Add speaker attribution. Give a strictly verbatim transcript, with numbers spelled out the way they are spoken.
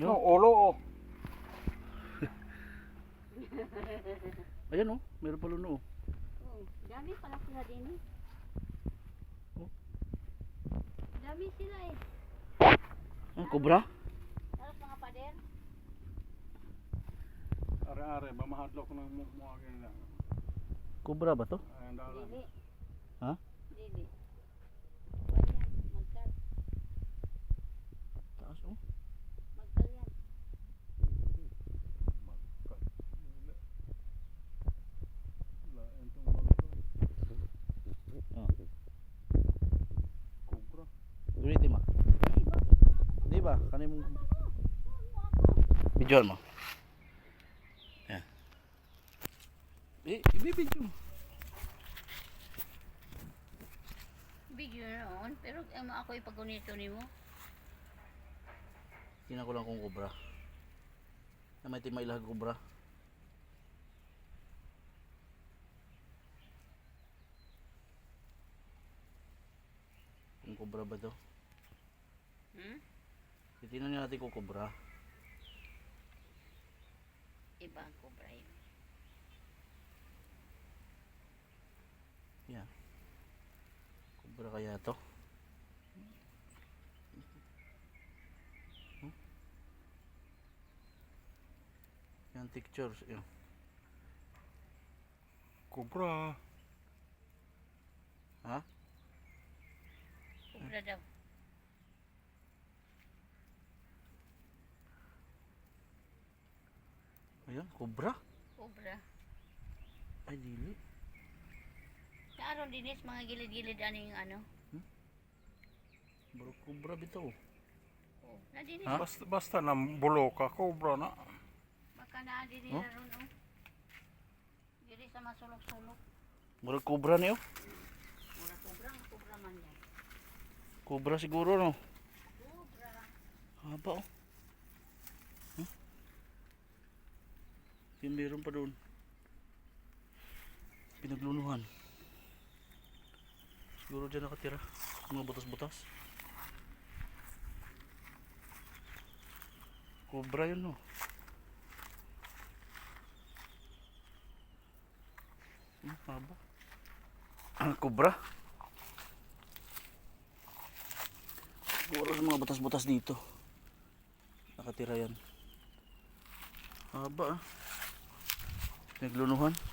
Speaker 1: No, ulo oh.
Speaker 2: Ayan oh, meron pala no.
Speaker 3: Oh, dami pala sila din eh.
Speaker 2: Oh.
Speaker 3: Dami sila eh.
Speaker 2: Ah, kobra?
Speaker 3: Tapos mga pader.
Speaker 1: Are-are, mamahadlok ng mukha ganyan lang.
Speaker 2: Kobra ba to?
Speaker 1: Ayan dalan.
Speaker 3: Dili.
Speaker 2: Ha?
Speaker 3: Dili. Ganyan, magkal.
Speaker 2: Taas oh.
Speaker 3: Magkal yan.
Speaker 1: Magkat. Lain tong magkat.
Speaker 2: Ah.
Speaker 1: Kubra.
Speaker 2: Ulitin mo.
Speaker 3: Eh, bakit mga ako?
Speaker 2: Di ba? Kanay mong videoan mo. Yan. Eh, ibibidyo mo.
Speaker 3: Video noon, pero um, ako ipagunito ni mo.
Speaker 2: Tingnan ko lang kung kobra. Na may timay ilag kobra. Kung kobra ba to?
Speaker 3: Hmm?
Speaker 2: Titingnan natin kung kobra.
Speaker 3: Iba ang cobra yun.
Speaker 2: Yan. Kobra kaya to? Hmm? Yan pictures. Yan.
Speaker 1: Kubra.
Speaker 2: Ha?
Speaker 3: Cobra daw.
Speaker 2: Ayan, kobra.
Speaker 3: Cobra.
Speaker 2: Ay, dili.
Speaker 3: Sa araw dinis, mga gilid-gilid ano yung ano.
Speaker 2: Bro, kobra bitaw.
Speaker 3: Oh, na dinis.
Speaker 2: Ha?
Speaker 1: Basta, basta nang bulo ka, kubra na.
Speaker 3: Baka na din
Speaker 2: Oh?
Speaker 3: nila ron oh. Dili sa masulok-sulok.
Speaker 2: Bro, kobra niyo.
Speaker 3: Mura cobra, ang cobra man yan.
Speaker 2: Kobra siguro no.
Speaker 3: Cobra.
Speaker 2: Haba oh. Huh? Yung meron pa doon. Pinaglunuhan. Siguro dyan nakatira. Mga butas-butas. Kobra yun no. Hmm, haba. Ah, kobra. Siguro sa mga butas-butas dito. Nakatira yan. Haba ah. Naglunuhan.